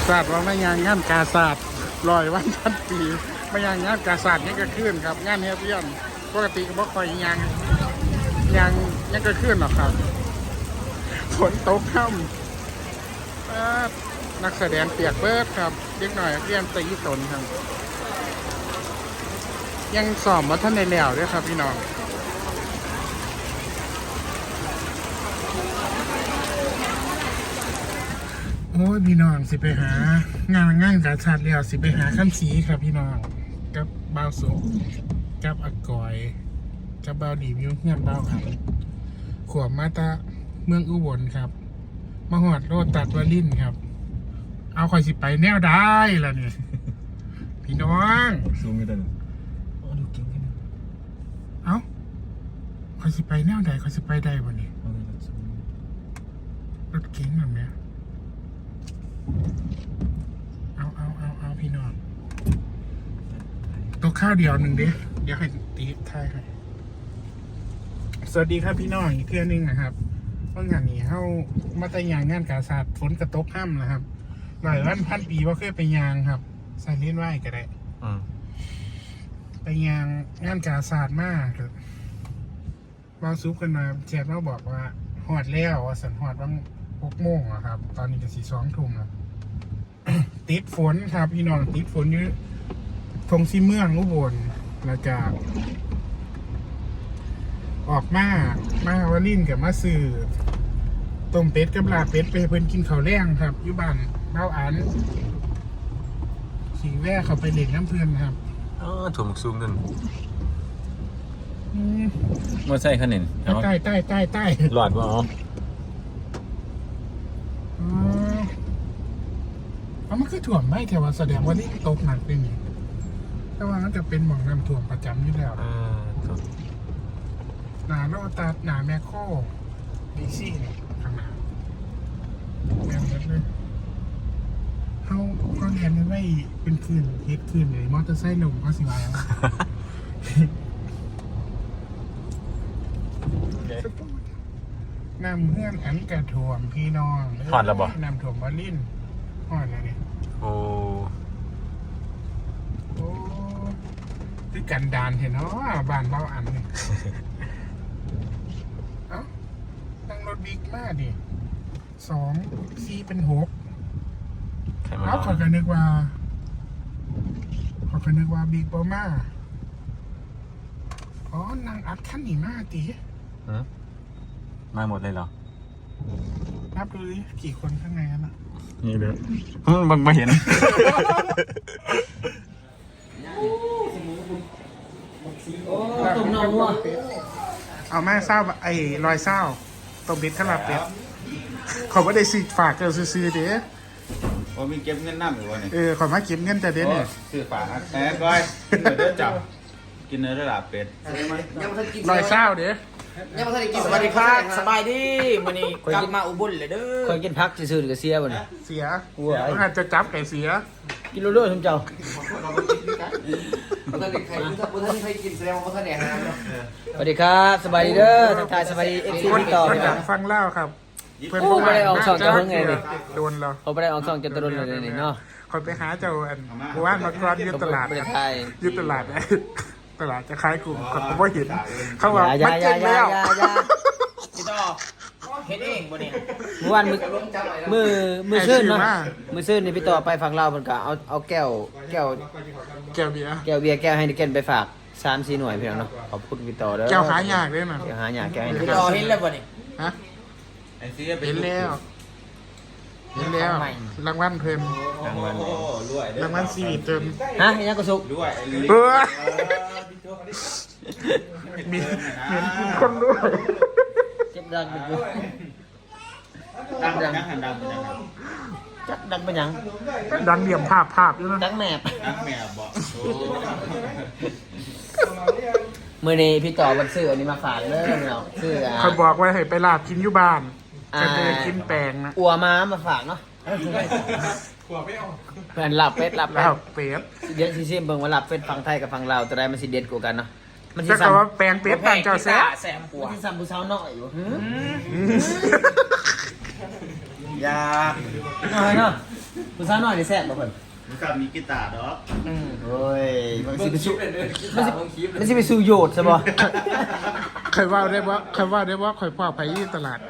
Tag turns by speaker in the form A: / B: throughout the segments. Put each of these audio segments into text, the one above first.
A: ศาสตร์ว่าไม่ยางงานกาศาสตร์100 วัน 1,000 ปีไม่ยางงานกาศาสตร์นี่ก็ขึ้นครับงานเฮียเพี้ยนปกติก็บ่ค่อยยางก็ขึ้นหรอกครับฝนตกค่ำนักแสดงเปียกเบิดครับเด็กหน่อยเรียนตีตนครับยังสอบมาท่านในแล้วด้วยครับพี่น้องโอ้ยพี่น้องสิไปหางานกาชาดแล้วสิไปหาขั้นสีครับพี่น้องกับบ่าวสุกกับอากอยกับบ่าวดีมิวเงียบบ่าวขันขวบมาตาเมืองอุบลครับมาหอดโรดตัดวาลินครับเอาคอยสิไปแนวได้ล่ะเนี่ยพี่น้อง
B: ซูมกันดูเก่งกัน
A: เอาคอยสิไปแนวใดคอยสิไปได้บ่นี่รถเก๋งแบบเนี้ยเอาพี่น้องตัวข้าวเดียวหนึ่งเดี๋ยวให้ตีท้ายให้สวัสดีครับพี่น้องอีกเพื่อนนึงนะครับเมื่องานนี้เข้ามาแต่ยางงานกาศาสตร์ฝนกระตกห้ำนะครับ100 วัน 1,000 ปีว่าเคยไปยางครับใส่เล่นไหวก็ได้ไปยางงานกาศาสตร์มากบางซุปกันมาแชทมาบอกว่าหอดแล้วสันหอดบาง6 โมงครับตอนนี้ก็2 ทุ่มแล้ว ติดฝนครับพี่น้องติดฝนอยู่ทงซีเมืองอุบลแล้วก็ออกมาวาลินกับมาซื้อต้มเป็ดกับลาเป็ดไปเพิ่นกินข้าวแรงครับอยู่บ้านเบ้าอันขี่แว่เขาไปเล่นน้ำเพื่อนครับ
B: ถั่วหมกซูมกันมาใช่ขนิน
A: ใต้
B: หลอดว่า
A: มันคือถ่วมไม่แต่ว่าแสดงว่านี่ตกหนักเป็นอย่างแต่ว่ามันจะเป็นหม่องน้ำถ่วมประจำอยู่แล้วหนาโลตัสหนาแมคโครดีซี่นี่ข้างหน้าแมวนัดเลยเขาเรียนไม่เป็นคืนเฮ็ดคืนเลยมอเตอร์ไซค์ลงก็สิวายแล้วน้ำเพื่อนอันกระถ่วมพี่น้อง
B: หอดแล้วบ่
A: น้ำถ่วมบอลลินหอดแล้วเนี่ย
B: โอ้
A: คือกันดานเห็นเนาะบ้านเบาอันเนี่ยเอ้าตั้งรถบิ๊กมากดิ2 4 เป็น 6เอาขอกันนึกว่าบิ๊กบอมาอ๋อนางอัดขั้นหนีมากตี
B: มาหมดเลยเหรอ
A: นับดูดิกี่คนข้างในนั้นอ่ะ
B: นี่เลยบังไม่เห็น
A: ตุ่มนองว่ะเอาแม่เศร้าไอ้รอยเศร้าตบบิดขลับเป็ดเขาไม่ได้สิฝากเกินซื้อเด้
B: ว่ามีเก็บเงินน้ำอยู่วะเนี่ย
A: ขอมาเก็บเงินแต่เด้เนี่ย
B: ซื้อฝากแอบก้อยกินเนื้อจับกินเนื้อระดับเป็ด
A: รอยเศร้าเด้
C: ยังไม่ทันได้กินสวัสดีครับสบายดีวันนี้กลับมาอุบลเลยเด้อ
D: คอยกินพักซื่อๆกับเสียบ่เนี่ย
A: เสียอาจจะจับไก่เสีย
D: กินเรื่อยๆทุกเจ้า
C: บ่ทันได้ใครกินแสดงว่าบ่ทันได้หาเนาะ
D: สวัสดีครับสบายดีเด้อทักทายสบายดีFC พี่ต่อ
A: พี่น้องฟังเล่าครับ
D: เพื่อนบ่ได้ออกช่องจะเพิ่งไงนี่
A: โดนเรา
D: บ่ได้ออกช่องจะโดนเลยนี่เนาะ
A: คนไปหาเจ้าอันว่านมากรอนยืดตลาดยืดตลาดจะคล้ายกลุ่มคนผมว่าเห็นเขาบอกมันเก่งแล้ว
C: พี่ต่อเฮ็ดเองบ่เนี่ย
D: เมื่อวานมือซื่นเนาะมือซื่นนี่พี่ต่อไปฝั่งลาวเพิ่นก็เอาแก้ว
A: เบียร์
D: แก้วให้นิเกนไปฝาก3-4 หน่วยพี่น้องเนาะขอบคุณพี่ต่อเด้อ
A: แก้วหายากเด้อน่ะ
D: แก้วหายากแก้วให้
C: พี่ต่อเห็นแล้วบ่เนี่ย
A: ฮะเห็นแล้วรางวัลเพิ่มรางวัลซีวิตเติม
D: ฮะยังก็สุก
B: ด้วย
A: มีคนด้วย
D: เจ็บดังอยู่
B: ดัง
D: จักดังเป็นหยัง
A: ดังเหลี่ยมภาพอยู่นะ
D: ดังแมบ
B: บอก
D: มื้อนี้พี่ต่อมันซื้ออันนี้มาฝากเด้อเนาะซื้อ
A: เขาบอกว่าให้ไปลาบกินอยู่บ้านจะได้กินแปลงนะ
D: อัวม้ามาฝากเนาะเพื่อนหลับเป็ดเดี๋ยวซิเบิ่งว่าหลับเป็ดฝั่งไทยกับฝั่งลาวตัวใดมันสิเด็ดกว่ากันเนาะ
A: มันสิซ้ำว่าแปลงเป็ดต่างเจ้าแซ่
D: บกว่ามันสิซ้ำผู้สาวน้อยอยู่
B: ยา
D: น้อยเนาะผู้สาวน้อยได้แซ่บบ่เพิ่น
B: มึงขับมีกีตาร์ดอก
D: โอ้ยมันสิไปสู้มันสิไปสู้โยดซะบ่
A: เคยว่าได้ว่าคอยพ่อไปที่ตลาด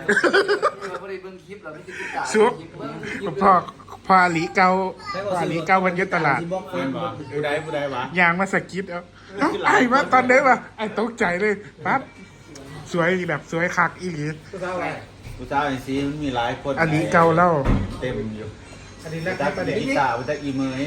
A: ซุปพ่อหลีเกาวันยุตลาด
B: เพื่อนบอกผู้ใดวะ
A: ยางมาสกิดเอาไอ้ว่าตอนเด้ป่ะไอ้ตกใจเลยปั๊บสวยแบบสวยคักอีหลี
B: ผู้สาวไอ้ซีมันมีหลายคน
A: อันนี้เกาเล่า
B: เต็มอยู่จักกีตาร์จักอีเมย์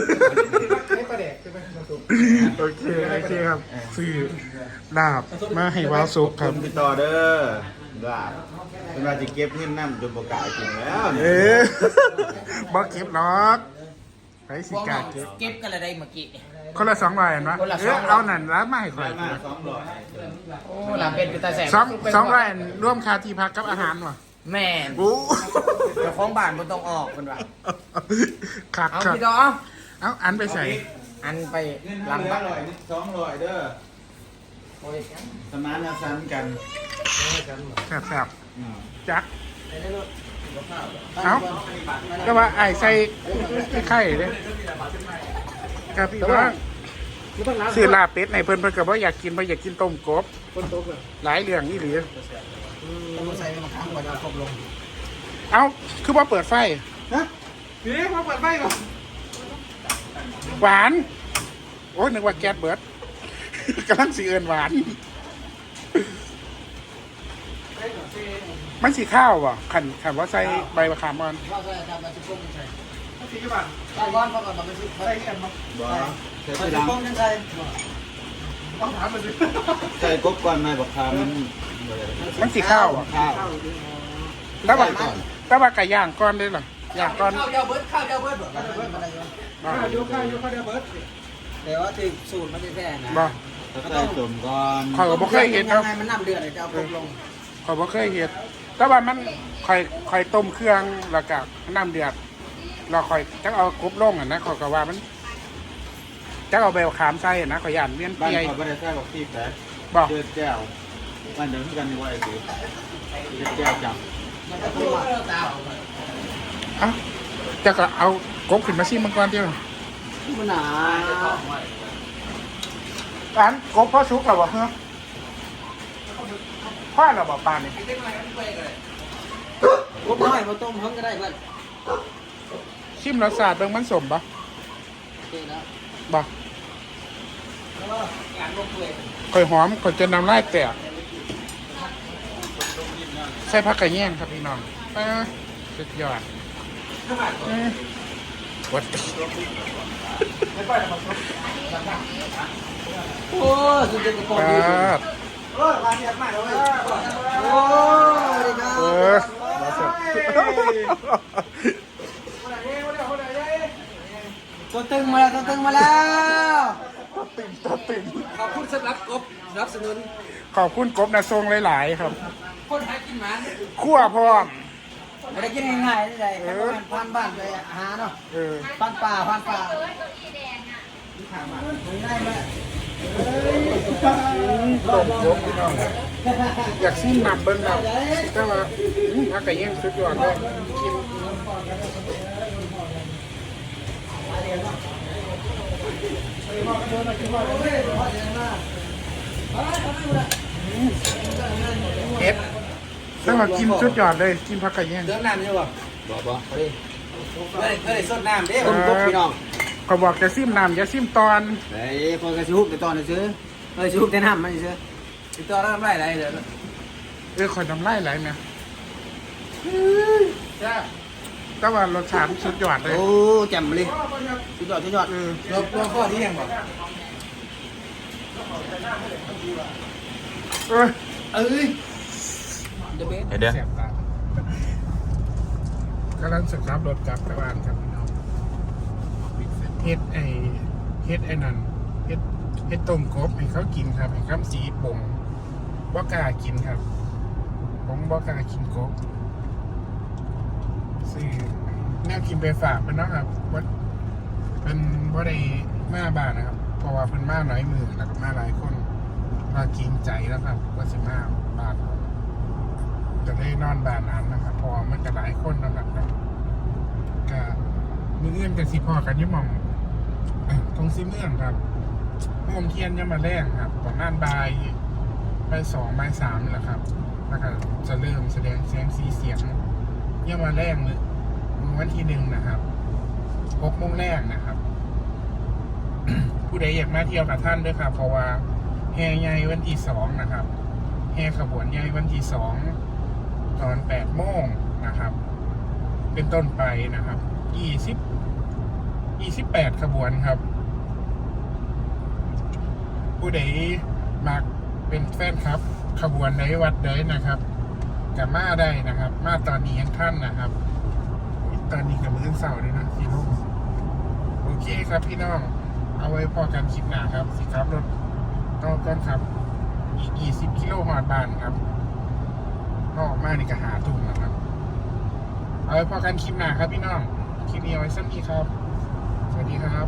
A: โอเคครับซื้อลาบมาให้ว้าวซุปครับ
B: ณพี่ต่อเด้อว่าเป็นว่าจะเก็บเงินน้ำจนบกล้ากินแล้ว
A: เอ๊ะบอกเก็บหรอกไปสิกาเก็บ
C: เก็บกันอะไรเมื่อกี้
A: คนละ200อันวะ
C: คนละ200
A: เอานั่นแล้วมาให้ข่อย
B: มา200
C: โอ้หลังเป็นตาแสบ
A: 200อันร่วมค่าที่พักกับอาหารวะ
C: แม่น
A: โอ้
C: เจ้าของบ้านบ่ต้องออกเพิ่นว่า
A: คัก
C: เอา
A: ครับ
C: พี่ดอ
A: เอาอันไปใส่
C: อันไป
B: เงิน
C: หลังบ้าน
B: 200เด้อสมานฉันท์กัน
A: แซ่บๆจักเอาแต่ว่าไอ้ใส่ไข่เลยครับพี่น้องซื้อลาบเป็ดในเพิ่นก็บ่อยากกินต้มกบหลายเรื่องนี่หรือ
C: ใส่ไปมาค้างก่อนจะครบลง
A: เอาคือว่าเปิดไฟฮะพี่ว่าเปิดไฟก่อนหวานโอ้นึกว่าแก๊สเบิด กำลังสีเอินหวานมันสีข้าวว่ะขันว่าใส่ใบมะขามอ่อน
C: ว่าใส่ทำมาสิกุ้งใส่ใส่ก้อนก่อนมันสิใส่กันบ่
B: บ่ใส่
C: ใส่
B: ทีหลัง
C: กุ้งจังใส่
A: ต้องถามมันสิ
B: ใส่กบก่อนนายบอกคามัน
A: มันสีข้าวอ่ะ
B: ข้าว
A: แต่ว่าไก่ย่างก้อนได้หรอย่างก้อน
C: ข้าวเดียวเบิดข้าวเดียวเบิดบ่ข้าวเดียวเบิดแต่ว่าถึงสูตรมันจะแท้นะ
A: บ่
B: ถ้าใส่สมก่อน
A: ข่อยก็บ่เคยเห็น
C: ยั
A: เนาะ
C: งไงมันน้ำเดือดเลยจะเอาครบลง
A: ข่อยบ่เคยเห็นแต่ว่ามันข่อยต้มเครื่องแล้วก็น้ำเดือดเราข่อยจักเอากรุบลงอ่ะนะข่อยก็ว่ามันจักเอาใบมะขามใส่อ่ะนะข่อยย่านเวียน
B: บ้าน
A: เปีย
B: เขาไม่ได้ใส่บอกที่แต่
A: บ่
B: เดือดแก้วบ้านเดิมกันนี่ว่าไอ้สิเดือดแก้วจับ
A: เอ้าจะก็เอากบขึ้นมาซิมังกรเดียว
C: มันหนา
A: ร้านกบพ่อชุกเหรอวะเฮ้ยพ่อเหรอบอกปลานี่
C: กบน้อยมาต้มเพิ่งก็ได้เพื่อน
A: ชิมรสชาติเบิ่งมันสมปะ
C: โอเคแล้ว
A: บ่
C: การลงเปื่อย
A: ข่อยหอมข่อยจะนำลายแตกใส่ผักกระเงี้ยงครับพี่น้องสุดยอดวัด
C: โอ้สุดยอดกระป๋อง
A: ค
C: ดี
A: รับ
C: โอ้มาเรียกมาเลยโอ้ดีครั
A: เอบ มาสด
C: ตัวตึงมาแล้วตัวตึงมาแล้ว
A: ตัวติ่ม
C: ขอบคุณสำหรับกบรับสนุน
A: ขอบคุณกบนะทรงหลายๆครับ
C: คนหากินหมา
A: คั่วพร้อม
C: ไม่ได้กินง่ายๆเลยครับพันบ้านไปหาเนาะ
A: เออ
C: พันป่าง่ายไหม
A: ต้มกบพี่น้องอยากซิมนำเบิ้งนำแต่ว่าผักกระเงี้ยงสุดยอดเลยกินเอ็ดแต่ว่ากินสุดยอดเลยกินผักกระเงี้ยง
C: เติมน้ำใช่ป่ะบ่เคยสดน้ำเด้
A: ต้มกบพี่น้อง เขาบอกจะซิมน้ำอย่าซิมตอน
C: เฮ้ยพอกระชุบเดี๋ยวตอนเดี๋ยวซื้อชิบุกแต่น้ำมันซื้อติดต่อแล้วทำไรอะไรเดี๋ยว
A: คอยน้ำลายไหลเนี่ยแต่ว่ารสชาติสุดยอดเลย
C: โอ้แจ่มเลยสุดยอดสุดยอด
A: เออ
C: ตัวข้อที่ยังบ่
A: เออ
C: เอ้ยเดี๋ยวเบส
B: เดี๋ยว
A: แสบตากำลังศึกษารถกลับตะวันครับพี่น้องเฮ็ดไอ้นั่นเฮ็ดต้มกบให้เขากินครับให้ข้ามสีป่งบ่กล้ากินครับผมบ่กล้ากินกบซื้อแนวกินไปฝากเพิ่นเนาะครับว่าเป็นบ่ได้มาบ้านนะครับ เพราะว่าเพิ่นมาหลายมือแล้วก็มาหลายคนมากินใจแล้วครับว่าสิมาบ้านผมจะได้นอนบ้านนั้นนะครับเพอมันจะหลายคนนะครับก็มือเอื้อนกับสีพอกันยี่หม่องตรงซีเมืองครับโฮมเทียนยังมาแรงครับประมาณบ่าย2บ่าย3นี่แหละครับแล้วก็จะเริ่มแสดงแสงสีเสียงยังมาแรงเลยวันที่1นะครับ6 โมงแรกนะครับ ผู้ใดอยากมาเที่ยวกับท่านด้วยครับเพราะว่าแห่ใหญ่วันที่2นะครับแห่ขบวนใหญ่วันที่2ตอน8 โมงนะครับเป็นต้นไปนะครับ28 ขบวนครับ ผู้ใดมักเป็นแฟนครับ ขบวนใดวัดใดนะครับจะมาได้นะครับ มาตอนนี้ยังท่านนะครับ ตอนนี้กับมื้อเสาร์เลยนะ4 ทุ่มโอเคครับพี่น้องเอาไว้พอกันคลิปหน้าครับสิครับรถต่อก่อนครับอีก20 กิโลหอดบ้านครับออกมานี่ก็หาทุ่มนะครับเอาไว้พอกันคลิปหน้าครับพี่น้องคลิปนี้เอาไว้สั้นนี้ครับสวัสดีครับ